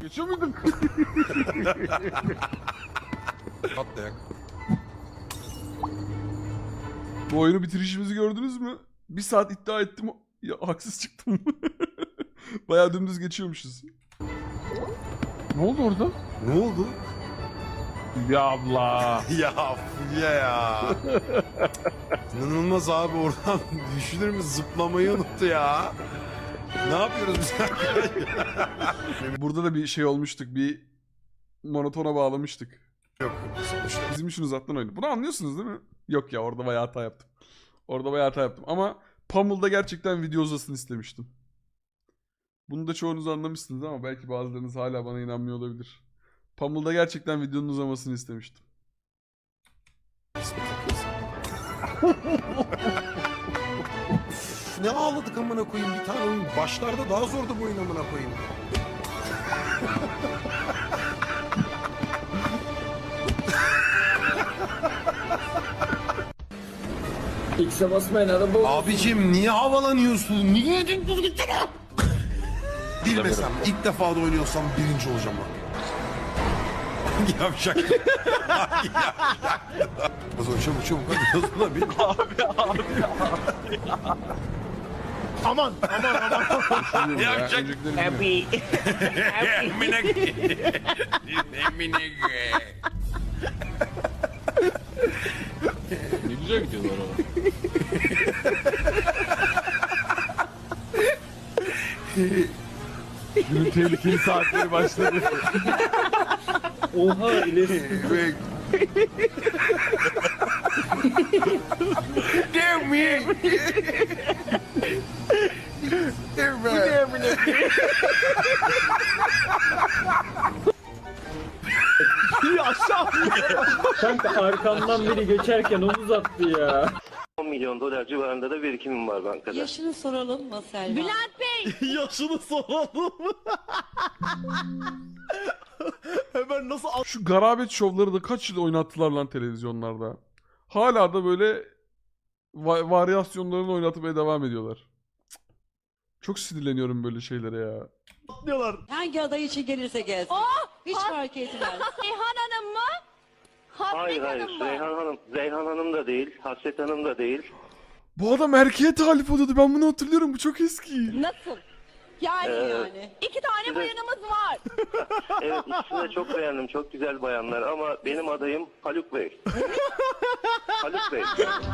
Geçiyor muydun? Atlayak. Bu oyunu bitirişimizi gördünüz mü? Bir saat iddia ettim. Ya haksız çıktım. Bayağı dümdüz geçiyormuşuz. Ne oldu orada? Ne oldu? Ya abla. Ya Fulya ya. İnanılmaz abi, oradan düşünür mü, zıplamayı unuttu ya. Ne yapıyoruz biz? Burada da bir şey olmuştuk. Bir monotona bağlamıştık. Yok sonuçta. Bizim için uzattın oyunu. Bunu anlıyorsunuz değil mi? Yok ya, orada bayağı hata yaptım. Orada bayağı hata yaptım. Ama Pummel'da gerçekten video uzasın istemiştim. Bunu da çoğunuz anlamışsınız ama belki bazılarınız hala bana inanmıyor olabilir. Pummel'da gerçekten videonun uzamasını istemiştim. Ne ağladık amına koyayım, bir tane oyun. Başlarda daha zordu bu oyun amına koyayım. X'e basmayın araba. Abicim niye havalanıyorsun? Niye düz gitsene? Bilmesem, ilk defa da oynuyorsam birinci olacağım bak. Yavşak. Yavşak. Çabuk çabuk hadi yazıla bir. Aman. Yavşak. Happy. Emine. Emine. Ne güzel gidiyorlar ama. Günün tehlikeli saatleri başladı. Oha ileri. Damn me. Damn me. Kanka arkamdan biri geçerken omuz attı ya. 10 milyon dolar civarında da birikimim var bankada. Yaşını soralım mı Selma? Bülent Bey! Yaşını soralım. Hemen nasıl Şu garabet şovları da kaç yıl oynattılar lan televizyonlarda. Hala da böyle varyasyonlarını oynatmaya devam ediyorlar. Cık. Çok sinirleniyorum böyle şeylere ya. atlıyorlar? Hangi aday için gelirse gelsin. Hiç fark etmez. Reyhan Hanım mı? Hayır Hasret hayır, Hanım mı? Reyhan Hanım da değil, Hasret Hanım da değil. Bu adam erkeğe talip oluyordu. Ben bunu hatırlıyorum. Bu çok eski. Nasıl? Yani Yani. iki tane bayanımız var. Evet, ikisini de çok beğendim, çok güzel bayanlar ama benim adayım Haluk Bey. Haluk Bey.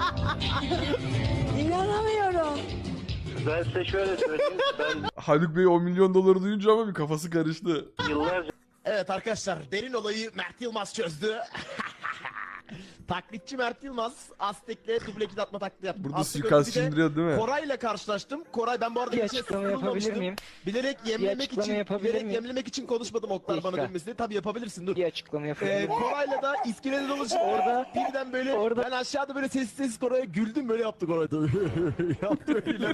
İnanamıyorum. Ben size şöyle söyleyeyim, ben Haluk Bey 10 milyon doları duyunca ama bir kafası karıştı. yıllarca Evet arkadaşlar, derin olayı Mert Yılmaz çözdü. Taklitçi Mert Yılmaz Aztek'le duble kill atma taklidi yaptı. Burada Aztek suikast önce bir de indiriyor değil mi? Koray'la karşılaştım. Koray, ben bu arada Bir hiç açıklama sıkılmamıştım. yapabilir miyim? Bilerek yapabilir miyim? yemlemek için konuşmadım oklar bana Dakika. dönmesi. Tabii yapabilirsin, dur. Bir açıklama yapayım. Koray'la da iskelede dolaşıp orada birden böyle ben aşağıda böyle sessiz Koray'a güldüm, böyle yaptı Koray da. Yaptı öyle.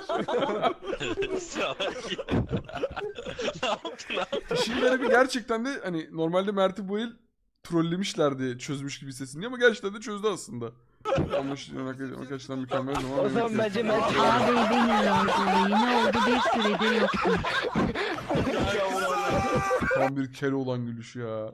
İşin garibi gerçekten de hani normalde Mert'i bu el trollemişlerdi çözmüş gibi sesini ama gerçekten de çözdü aslında. Ama arkadaşlar mükemmel zaman. O zaman bence Mert Ağabey benim lazım. Ne oldu bir süredir yoktu. Tam bir kere olan gülüş ya.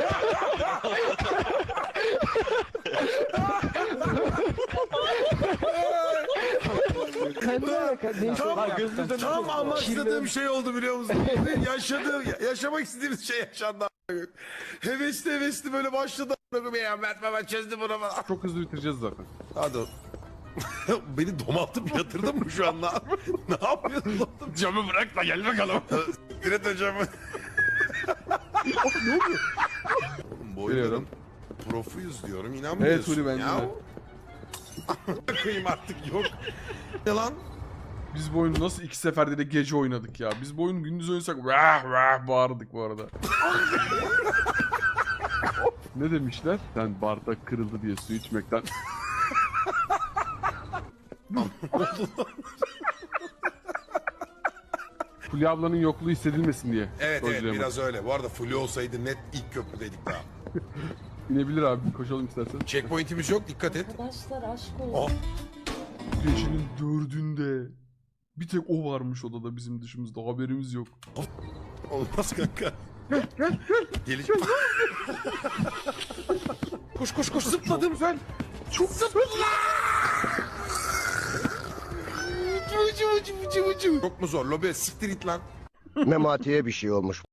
Tam amaçladığım şey oldu biliyor musun? Yaşamak istediğimiz şey yaşandı. Hevesli böyle başladı. Ya Mert baba çözdü bunu falan. Çok hızlı bitireceğiz zaten. Hadi. Beni domaltıp yatırdın mı şu anda? Ne yapıyorsun oğlum? Camı bırak da gel bakalım. Diret hocamı. Ne oluyor? Bu Biliyorum. oyunun profuyuz diyorum, inanmıyorsun. Evet Huri, bence ya. de. Koyayım artık, yok. Ne lan? Biz bu oyunu nasıl 2 seferde de gece oynadık ya. Biz bu oyunu gündüz oynasak vah vah bağırdık bu arada. Ne demişler? Sen bardak kırıldı diye su içmekten. Fulya ablanın yokluğu hissedilmesin diye. Evet Söyleyemem. biraz öyle. Bu arada Fulya olsaydı net ilk köprüdeydik daha. İnebilir abi, koşalım istersen. Checkpoint'imiz yok, dikkat et. Arkadaşlar aşk olsun. Gecenin 4'ünde. Bir tek o varmış odada bizim dışımızda, haberimiz yok. Olmaz kanka. Geliş. Koş koş koş zıpladım ben. Çok zıpladım. Çok mu zor? Lobe siktir it lan. Memati'ye bir şey olmuş.